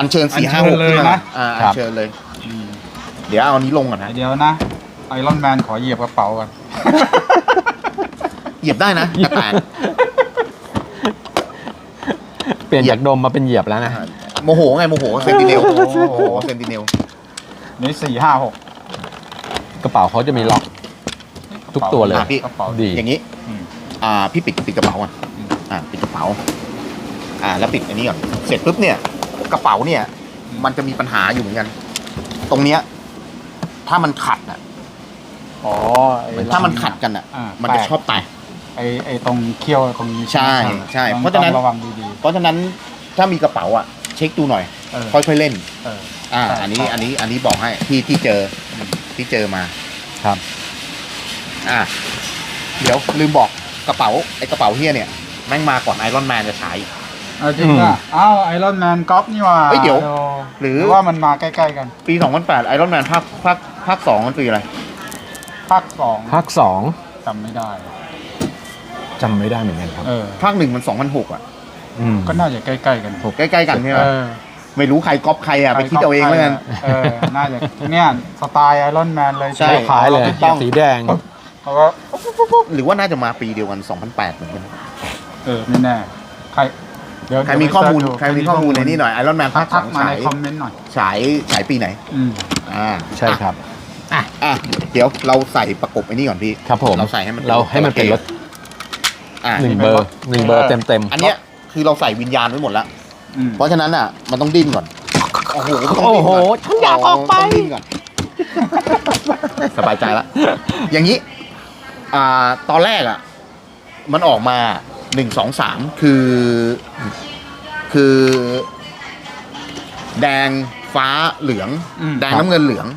อัญเชิญ4 5 6 เลยนะอัญเชิญเลยเดี๋ยวเอานี้ลงก่อนนะเดี๋ยวนะไอรอนแมนขอเหยียบกระเป๋ากันเหยียบได้นะแตกเปลี่ยนจากดมมาเป็นเหยียบแล้วนะโมโหไงโมโหเซนติเนลเซนติเนลนี่4 5 6 กระเป๋าเขาจะมีล็อกทุกตัวเลยดีอย่างนี้พี่ปิดกระเป๋าก่อนปิดกระเป๋าแล้วปิดอันนี้ก่อนเสร็จปุ๊บเนี่ยกระเป๋าเนี่ยมันจะมีปัญหาอยู่เหมือนกันตรงเนี้ยถ้ามันขัดถ้ามันขัดกันมันจะชอบแตกไอตรงเขี้ยวตรงนี้ใช่เพราะฉะนั้นระวังดีๆเพราะฉะนั้นถ้ามีกระเป๋าเช็คดูหน่อยค่อยๆเล่นอันนี้บอกให้ที่เจอมาครับเดี๋ยวลืมบอกกระเป๋าเฮียเนี่ยแม่งมาก่อนไอรอนแมนจะฉายจริงอ่ะไอรอนแมนก๊อปนี่ว่าเดี๋ยวหรือว่ามันมาใกล้ๆกันปี2008ไอรอนแมนภาค2มันปีอะไรภาค2จำไม่ได้เหมือนกันครับภาค1มัน2006 ก็น่าจะใกล้ๆกันใกล้ๆกันใช่ไหมไม่รู้ใครก๊อปใครไปคิดเอาเองแล้วกันน่าจะเนี่ยสไตล์ไอรอนแมนเลยใช่คล้ายเลยสีแดงหรือว่าน่าจะมาปีเดียวกัน2008เหมือนกันไม่แน่ใครมีข้อมูลในนี้หน่อยไอรอนแมนภาค2 มาในคอมเมนต์หน่อยฉายปีไหนใช่ครับเดี๋ยวเราใส่ประกบไอ้นี่ก่อนพี่ครับผมเราใส่ให้มันเป็นรถ1 เบอร์เต็มอันเนี้ยคือเราใส่วิญญาณไว้หมดแล้วเพราะฉะนั้นมันต้องดิ้นก่อนโอ้โหฉันอยากออกไปดิ้นก่อนสบายใจละอย่างนี้ตอนแรกมันออกมา1 2 3คือแดงฟ้าเหลืองแดงน้ำเงินเหลือง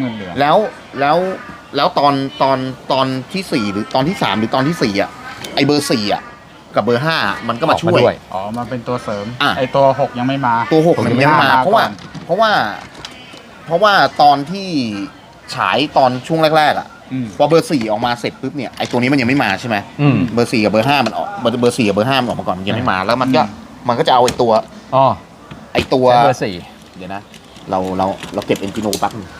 แล้วตอนที่4หรือตอนที่3หรือตอนที่4ไอเบอร์4กับเบอร์5มันก็มาช่วยมาเป็นตัวเสริมไอตัว6ยังไม่มาตัว6ยังไม่มาเพราะว่าตอนที่ฉายตอนช่วงแรกพอเบอร์4ออกมาเสร็จปุ๊บเนี่ยไอตัวนี้มันยังไม่มาใช่ไหมเบอร์4กับเบอร์5มันออกเบอร์4กับเบอร์5มันออกมาก่อนมันยังไม่มาแล้วมันก็จะเอาไอตัวเบอร์4 เดี๋ยวนะเราเก็บเอนจิโนแป๊บนึง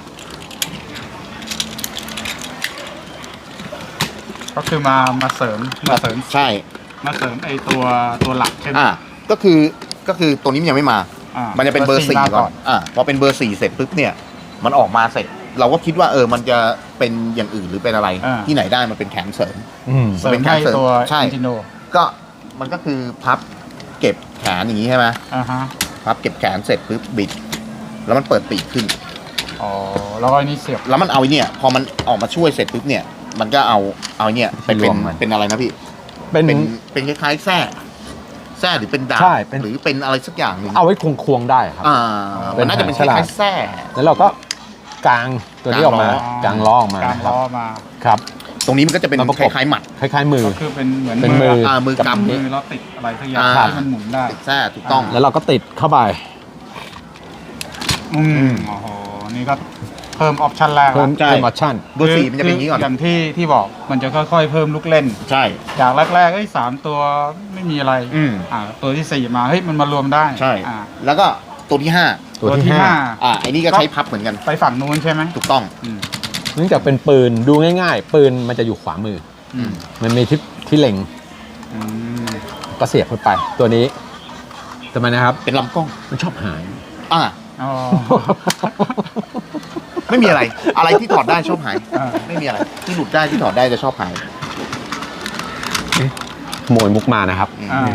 ก็คือมาเสริมใช่มาเสริมไอตัวหลักใช่ไหมก็คือตัวนี้มันยังไม่มามันจะเป็นเบอร์4ก่อนพอเป็นเบอร์4เสร็จปุ๊บเนี่ยมันออกมาเสร็จเราก็คิดว่ามันจะเป็นอย่างอื่นหรือเป็นอะไรที่ไหนได้มันเป็นแขนเสริมเป็นแขนเสริมใช่ก็มันก็คือพับเก็บแขนอย่างนี้ใช่ไหมพับเก็บแขนเสร็จปุ๊บบิดแล้วมันเปิดปีกขึ้นแล้วก็นี่เสียบแล้วมันเอาเนี่ยพอมันออกมาช่วยเสร็จปุ๊บเนี่ยมันก็เอาเนี่ยเป็นอะไรนะพี่เป็นคล้ายๆแส้หรือเป็นดาบหรือเป็นอะไรสักอย่างหนึ่งเอาไว้ควงได้ครับมันน่าจะเป็นคล้ายๆแส้แล้วเราก็กางตัวนี้ออกมากางล้อออกมาครับตรงนี้มันก็จะเป็นคล้ายๆหมัดคล้ายๆมือก็คือเป็นเหมือนมือกำมือเราติดอะไรสักอย่างที่มันหมุนได้ติดแส้ถูกต้องแล้วเราก็ติดเข้าไปโอ้โหนี่ก็เพิ่มออปชั่นแรกเพิ่มออปชั่นเบอร์4มันจะเป็นอย่างนี้ก่อนอย่างที่บอกมันจะค่อยๆเพิ่มลูกเล่นใช่จากแรกๆ3ตัวไม่มีอะไรตัวที่4มามันมารวมได้ใช่แล้วก็ตัวที่5ไอ้นี่ก็ใช้พับเหมือนกันไปฝั่งนู้นใช่ไหมถูกต้องเนื่องจากเป็นปืนดูง่ายๆปืนมันจะอยู่ขวามือมันมีที่เล็งก็เสียบเข้าไปตัวนี้ทำไมนะครับเป็นลำกล้องมันชอบหายไม่มีอะไรที่ถอดได้ชอบหายไม่มีอะไรที่หลุดได้ที่ถอดได้จะชอบหายขโมยมุกมานะครับ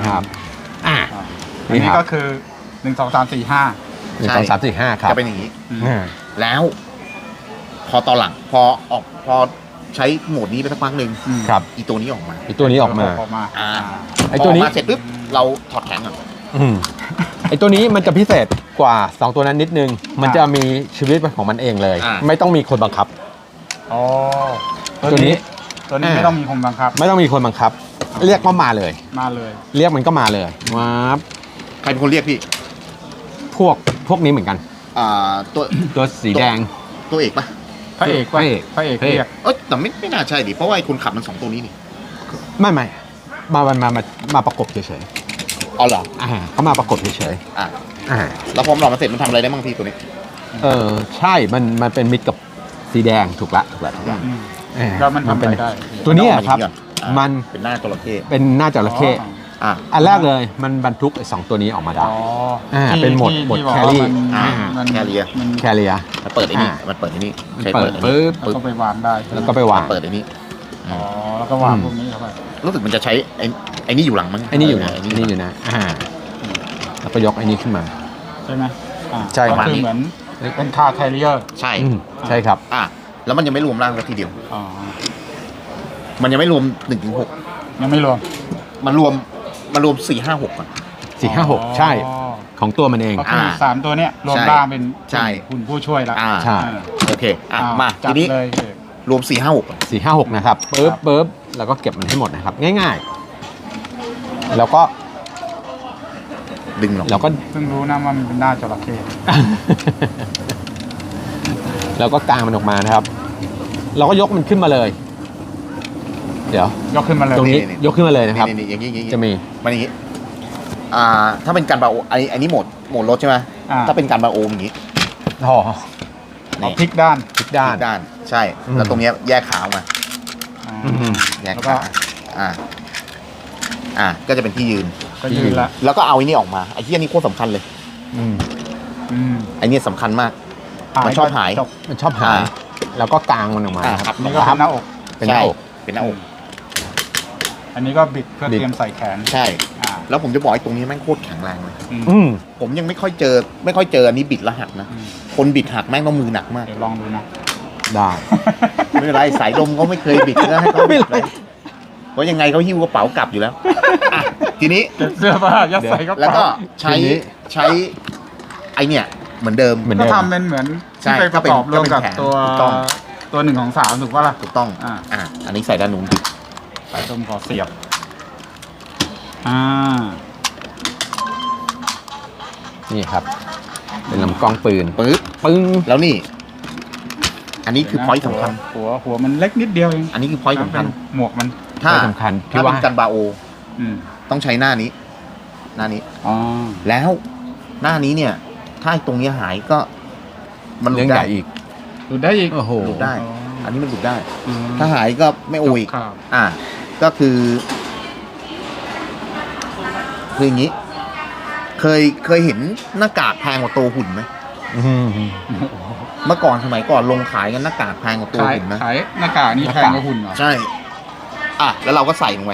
นี่ก็คือ1 2 3 4 5 1 2 3 4 5ครับจะเป็นอย่างนี้แล้วพอตอนหลังพอใช้โหมดนี้ไปสักพักหนึ่งครับอีตัวนี้ออกมาไอตัวนี้ออกมาไอตัวนี้เสร็จปุ๊บเราถอดแขนก่อนไอตัวนี้มันจะพิเศษกว่า2ตัวนั้นนิดนึงมันจะมีชีวิตของมันเองเลยไม่ต้องมีคนบังคับตัวนี้ไม่ต้องมีคนบังคับไม่ต้องมีคนบังคับเรียกก็มาเลยเรียกมันก็มาเลยว้าใครเป็นคนเรียกพี่พวกนี้เหมือนกันตัวสีแดงตัวเอกปะพระเอกเรียกแต่ไม่น่าใช่ดิเพราะว่าคนขับมัน2ตัวนี้นี่ไม่มาประกบเฉยอ๋อเหรอเขามาปรากฏเฉยอ่ะๆแล้วพอมันออกมาเสร็จมันทำอะไรได้บ้างพี่ตัวนี้ใช่มันเป็นมิตรกับสีแดงถูกละอืมอ่าแล้วมันทำอะไรได้ตัวเนี้ยครับอ่ะมันเป็นหน้าจระเข้เป็นหน้าจระเข้อ่ะอันแรกเลยมันบรรทุกไอ้2ตัวนี้ออกมาได้อ๋อเป็นโหมดที่โหมดที่บอกแครี่ว่ามันอ่ามันแครี่มันแคเรียมันเปิดไอ้นี่อ่ะมันเปิดไอ้นี่มันใช้เปิเปิดดไอ้นี่ปึ๊บแล้วก็ไปวางได้แล้วก็ไปวางเปิดไอ้นี่อ๋อแล้วก็วางพวกนี้เข้าไปรู้สึกมันจะใช้ไอ้นี่อยู่หลังมั้งไอ้นี่อยู่นะไอ้ไอ้นี่อยู่นะแล้วก็ยกไอ้นี่ขึ้นมาใช่ไหมใช่ก็ประมาณคือนี้เหมือนเป็นคาร์แคริเออร์ใช่ใช่ครับอ่ะแล้วมันยังไม่รวมร่างสักทีเดียวอ๋อมันยังไม่รวม1-6 ยังไม่รวมมันรวม4-5-6ก่อน 4-5-6 ใช่ของตัวมันเองก็คือสามตัวเนี้ยรวมใช่ร่างเป็นใช่คุณผู้ช่วยแล้วใช่โอเคอ่ะอ่มาจัทีบนี้เลยรวม4-5-6ก่อน 4-5-6 นะครับปึ๊บแล้วก็เก็บมันให้หมดนะครับ ง่ายๆ แล้วก็ดึงหรอกเราก็เพิ่งรู้นะว่ามันเป็นหน้าจระเข้แล้วก็กางมันออกมานะครับ เราก็ยกมันขึ้นมาเลย เดี๋ยวยกขึ้นมาเลยตรงนี้ยกขึ้นมาเลยนะครับนี่อย่างนี้จะมีมันอย่างนี้ถ้าเป็นการบาโออันนี้โหมดรถใช่ไหมถ้าเป็นการบาโออย่างนี้ห่อเอาพลิกด้านทุกด้านด้านใช่อืมแล้วตรงเนี้ยแยกขาออกมา แยกแล้วก็ขาก็จะเป็นที่ยืนก็ยืนละแล้วก็เอาไอ้นี่ออกมาไอ้ที่อันนี้โคตรสำคัญเลยอืมไอ้นี่สำคัญมาก มันชอบหายจบมันชอบหายแล้วก็กางมันออกมาครับนี่ก็เป็นหน้าอกเป็นหน้าอกใช่เป็นหน้าอกอันนี้ก็บิดเพื่อบิดเตรียมใส่แขนใช่อ่าแล้วผมจะบอกไอ้ตรงนี้แม่งโคตรแข็งแรงเลยอืมผมยังไม่ค่อยเจออันนี้บิดแล้วหักนะอืมคนบิดหักแม่งต้องมือหนักมากเดี๋ยวลองดูนะได้ไม่เป็นไรสายลมเขาไม่เคยบิดก็ให้เขาบิดเลยเพราะยังไงเขาหิ้วกระเป๋ากลับอยู่แล้วอ่ะทีนี้เก็บเสื้อผ้ายัดใส่กระแล้วก็เป๋าใช้ไอเนี่ยเหมือนเดิมเหมือนก็เดิมทำเป็นเหมือนใช่ที่ไปประกอบรวมกับก็เป็นแขนตัวถูกต้องตัว1 ของ 3ถูกปะล่ะถูกต้อง อันนี้ใส่ด้านนู้นใส่ตรงขอเสียบนี่ครับ เป็นลำกล้องปืนปึ๊บปึ้งแล้วนี่ อันนี้คือพอยต์สำคัญหัวมันเล็กนิดเดียวเองอันนี้คือพอยต์สำคัญหมวกมันถ้าไม่สำคัญที่ถ้าว่าเป็นกันบาโออืมต้องใช้หน้านี้อ๋อแล้วหน้านี้เนี่ย ถ้าตรงนี้หายก็ มันหลุเรื่องดใหได้ญ่อีกดูได้อีกโอ้โหหลุดได้อ๋ออันนี้มันหลุดได้อืมถ้าหายก็ไม่โออีกครับก็คืออย่างนี้ เคยเห็นหน้ากากแพงกว่าตัวหุ่นไหมอืมเมื่อก่อนสมัยก่อนลงขายกันหน้ากากแพงกว่าตัวขายหุ่นนะขายหน้ากากนี่แพงกว่าหุ่นเหรอใช่ แล้วเราก็ใส่ลงไป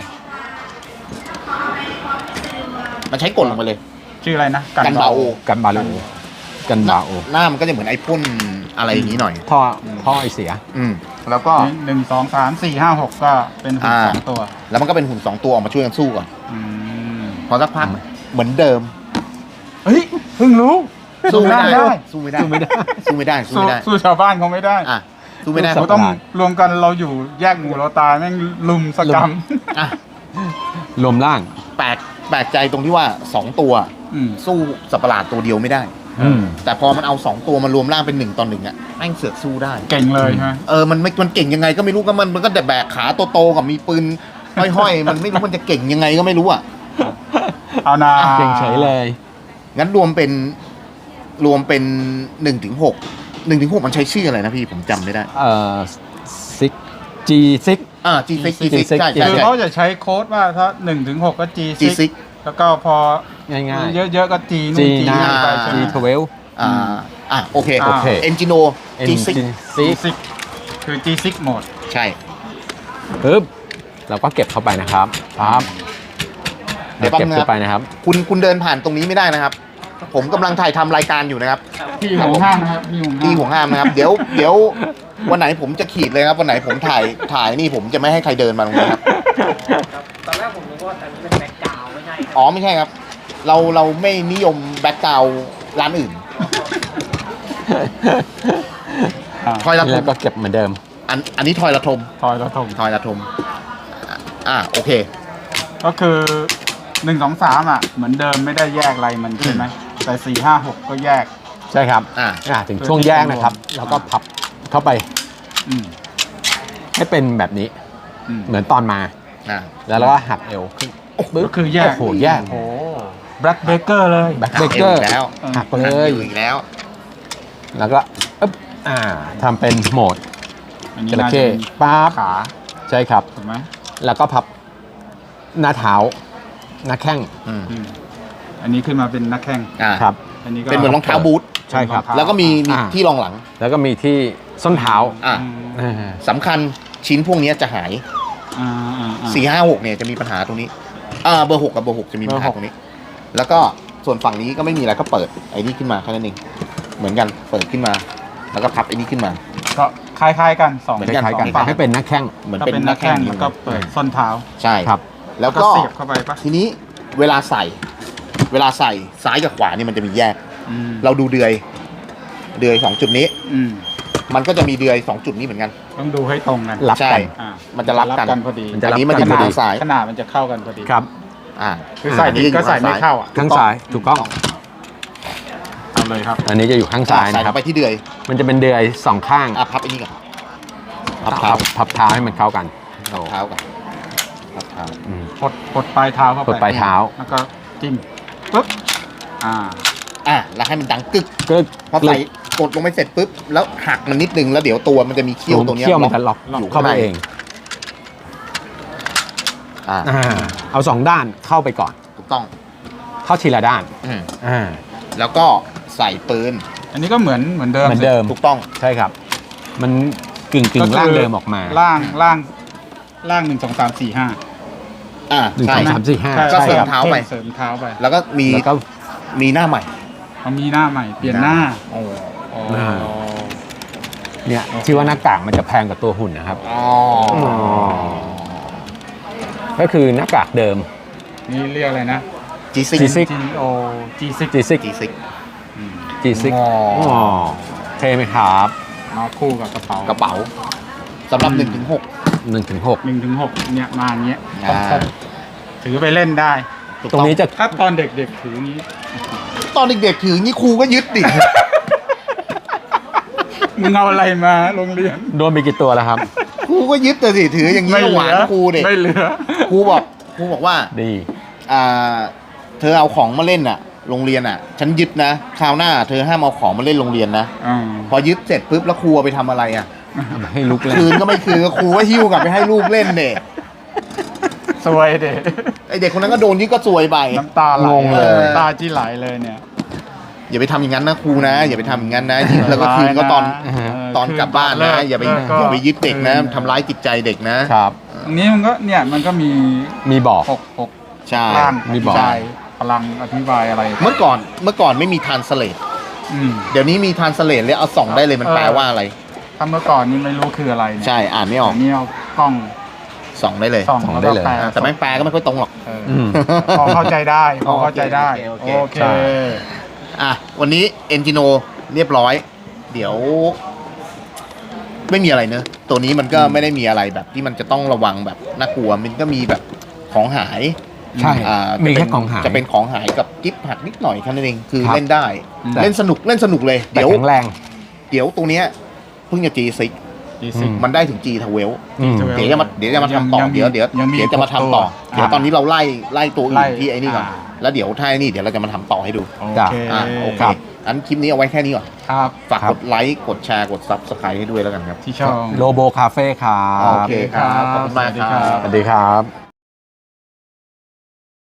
มันใช้กดลงไปเลยชื่ออะไรนะกันบาโอกันบาโลกันบาโอหน้ามันก็จะเหมือนไอ้พ่นอะไรอย่างนี้หน่อยท่อไอเสียแล้วก็ 1 2 3 4 5 6ก็เป็นหุ่น 2 ตัวแล้วมันก็เป็นหุ่น2 ตัวออกมาช่วยกันสู้ก่อนอืมพอสักพักเหมือนเดิมเฮ้ยเพิ่งรู้สู้ไม่ได้ได้สู้ไม่ได้ สู้ไม่ได้ สู้ไม่ได้ สู้สู้ไม่ได้สู้ชาวบ้านเขาไม่ได้สู้ไม่ได้สู้เราต้องรวมกันเราอยู่แยกหมู่เราตายแม่งลุมสกรรมอ่ะลมล่างแปลกใจตรงที่ว่า2 ตัวอืมสู้สัตว์ประหลาดตัวเดียวไม่ได้อืมแต่พอมันเอา2 ตัวมารวมร่างเป็น1 ต่อ 1อ่ะแม่งเสือกสู้ได้เก่งเลยใช่ไหมมันเก่งยังไงก็ไม่รู้ก็มันก็แต่แบกขาโตๆกับมีปืนห้อยๆ มันไม่รู้มันจะเก่งยังไงก็ไม่รู้อ่ะเอานาเก่งเฉยเลยงั้นรวมเป็น1-6มันใช้ชื่ออะไรนะพี่ผมจำไม่ได้ซิกจีซิก G6 G6 ใช่คือใช่เขาจะใช้โค้ดว่าถ้า1 ถึง 6 ก็ G6 G6 แล้วก็พอง่ายเยอะๆก็ G ๆนู่จีน G นานี่ไปใช่ไหม G12 โอเคโอเค Engino G6 G6 คือ G6 โหมดใช่ปึ๊บเราก็เก็บเข้าไปนะครับปั๊บเดี๋ยวเก็บแป๊บนึงเข้าไปนะครับคุณเดินผ่านตรงนี้ไม่ได้นะครับ ผมกำลังถ่ายทำรายการอยู่นะครับที่ห่วงห้ามนะครับที่ห่วงที่ห่วงห้ามนะครับ เดี๋ยววันไหนผมจะขีดเลยครับ วันไหนผมถ่ายนี่ผมจะไม่ให้ใครเดินมาตรงนี้ครับตอนแรกผมนึกว่าอันนี้เป็นแบ็คกราวด์ไม่ใช่ครับอ๋อไม่ใช่ครับ เราไม่นิยมแบ็กกราวร้านอื่น ทอยละทแล้วมก็เก็บเหมือนเดิมอันนี้ทอยละทมทอยแล้วถมทอยละทมโอเคก็คือ1 2 3เหมือนเดิมไม่ได้แยกอะไรมันใช่ไหมแต่4 5 6ก็แยกใช่ครับอ่าถึงช่วงแยกนะครับ แล้วก็พับเข้าไปอืมให้เป็นแบบนี้อืมเหมือนตอนมาอ่าแล้วเราก็หักเอวขึ้นปึ๊บก็คือแยกโอ้โหแยกโอ้โหแบล็คเบเกอร์เลยแบ็คเบเกอร์แล้วหักเลยอยู่อีกแล้วแล้วก็อึ๊บทำเป็นโหมดอันนี้จระน่าจะเข้เป็นปั๊บขาใช่ครับถูกไหมแล้วก็พับหน้าเท้าหน้าแข้งอืมอันนี้ขึ้นมาเป็นนักแข่งอ่าครับอันนี้ก็เป็นเหมือนรองเท้าบูทใช่ครับแล้วก็มีอ่าที่รองหลังแล้วก็มีที่ส้นเท้าอ่าอืมสำคัญชิ้นพวกนี้จะหายอ่าอ่าอ่า 4 5 6เนี่ยจะมีปัญหาตรงนี้เบอร์ 6 กับเบอร์ 6 จะมีปัญหาเบอร์ 6 ตรงนี้ แล้วก็ส่วนฝั่งนี้ก็ไม่มีอะไรก็เปิดไอ้นี่ขึ้นมาแค่นั้นเองเหมือนกันเปิดขึ้นมา แล้วก็พับไอ้นี่ขึ้นมาก็คล้ายๆกันสองเหมือนคล้ายๆกันสองฝั่งให้เป็นหน้าแข้งเหมือนก็เป็นเป็นนักแข่งแล้วก็เปิดส้นเท้าใช่ครับแล้วก็ก็เสียบเข้าไปปะทีนี้เวลาใส่ซ้ายกับขวานี่มันจะมีแยกอืมเราดูเดือย2 จุดนี้อืมมันก็จะมีเดือย2 จุดนี้เหมือนกันต้องดูให้ตรงกันรับใช่กันอ่ามันจะรับกันพอดีมันจะอันรับนี้มันจะกัอยู่พอดีทางซ้ายขนาดมันจะเข้ากันพอดีครับอ่าคือใส่ผิดก็ใส่ไม่เข้าอ่ะข้างซ้ายถูกต้องเอาเลยครับอันนี้จะอยู่ข้างซ้ายใส่นะครับเข้าไปที่เดือยมันจะเป็นเดือยสองข้างพับไอ้นี่ก่อนพับเท้าพับเท้าให้มันเข้ากันพับเท้าก่อนพับเท้าอืมกดปลายเท้าเข้าไปกดปลายเท้าแล้วก็จิ้มปุ๊บอ่าแล้วให้มันดังกึกก็พอใส่กดลงไปเสร็จปุ๊บแล้วหักมันนิดนึงแล้วเดี๋ยวตัวมันจะมีเขี้ยวตรงเนี้ยเขี้ยวมันจะล็อกอยู่เข้าไปเองอ่าเอาสองด้านเข้าไปก่อนถูกต้องเข้าทีละด้านอืมอ่าแล้วก็ใส่ปืนอันนี้ก็เหมือนเดิมเหมือนเดิมถูกต้องใช่ครับ มันกึ่งก็คือร่างเดิมออกมาล่าง1 2 3 4 5 หนึ่งใช่สองสามสี่ห้าก็ใช่เสริคมรับเท้าไปเสริมเท้าไปแล้วก็มีแล้วก็มีหน้าใหม่เขามีหน้าใหม่เปลี่ยนหน้าโอ้อ๋อหน้า เนี่ยที่ว่าหน้ากากมันจะแพงกว่าตัวหุ่นนะครับอ๋อก็คือหน้ากากเดิมนี่เรียกอะไรนะจีซิก G6 G O G6 G6 จีซิก G6 อ๋ออ๋เท่ไหมครับมาคู่กับกระเป๋ากระเป๋าสำหรับ1 ถึง 6 1 ถึง 6 1 ถึง 6เนี่ยมาอย่างเงี้ยอ่าครบถือไปเล่นได้ตรงนี้จะถ้าตอนเด็กๆถืออย่างนี้ตอนเด็กๆถือนี่ครูก็ยึดดิมึงเอาอะไรมาโรงเรียนโดนไปกี่ตัวแล้วครับครูก็ยึดแต่สิถืออย่างนี้ก็หวานครูเด็กไม่เหลือครูบอกว่าดีเธอเอาของมาเล่นอ่ะ โรงเรียนอ่ะ ฉันยึดนะคราวหน้าเธอห้ามเอาของมาเล่นโรงเรียนนะอ่าพอยึดเสร็จปุ๊บแล้วครูเอาไปทำอะไรอ่ะเอามาให้ลุกเล่นคืนก็ไม่คืนครูก็หิ้วกลับไปให้ลูกเล่นเด็กสวยเด็กไอเด็กคนนั้นก็โดนยึดก็ซวยไปน้ำตาไหลงงเลยน้ำตาจีไหลเลยเนี่ยอย่าไปทำอย่างนั้นนะครูนะ อย่าไปทำอย่างนั้นนะยึดแล้วก็คืนก็ตอน ตอนกลับบ้านนะ อย่าไปยึดเด็กนะทำร้ายจิตใจเด็กนะครับตรงนี้มันก็เนี่ยมันก็มีมีบอก 6 ใช่ร่างมีบอกอธิบายพลังอธิบายอะไรเมื่อก่อนไม่มีทานสเลตอืมเดี๋ยวนี้มีทานสเลตเลยเอาส่องได้เลยมันแปลว่าอะไรถ้าเมื่อก่อนนี่ไม่รู้คืออะไรเนี่ยใช่อ่านไม่ออกแต่นี่เอากล้องส่องได้เลยส่องส่องแล้วได้ก็เลยแปลแต่แม่งแปลก็ไม่ค่อยตรงหรอกเอออืมพอเข้าใจได้พอเข้าใจได้โอเคโอเคใช่อ่ะวันนี้เอนจิโนเรียบร้อย เดี๋ยว ไม่มีอะไรเนอะตัวนี้มันก็ไม่ได้มีอะไรแบบที่มันจะต้องระวังแบบน่ากลัวมันก็มีแบบของหายใช่ มีจะเป็แค่นของหายจะเป็นของหายกับกิฟต์หักนิดหน่อยแค่นั้นเองคือครับเล่นได้แต่เล่นสนุกเลยแต่เดี๋ยวแข็งแรงเดี๋ยวตัวเนี้ยเพิ่งจะ G6 G6 มันได้ถึง G ทเวลอืมเดี๋ยวจะมาทำต่อยังมีเดี๋ยวยังมีจะมาทำต่อ 6 เดี๋ยวตอนนี้เราไล่ตัวอื่ไล่นที่ไอ้นี่ก่อนอ่าแล้วเดี๋ยวถ้าไอ้นี่เดี๋ยวเราจะมาทำต่อให้ดูโอจ้ะเคโอเคครับอันคลิปนี้เอาไว้แค่นี้ก่อนครับฝากกดไลค์กดแชร์กด Subscribe ให้ด้วยแล้วกันครับที่ช่องโลโบคาเฟ่ครับโอเคครับขอบคุณมากครับสวัสดีครับ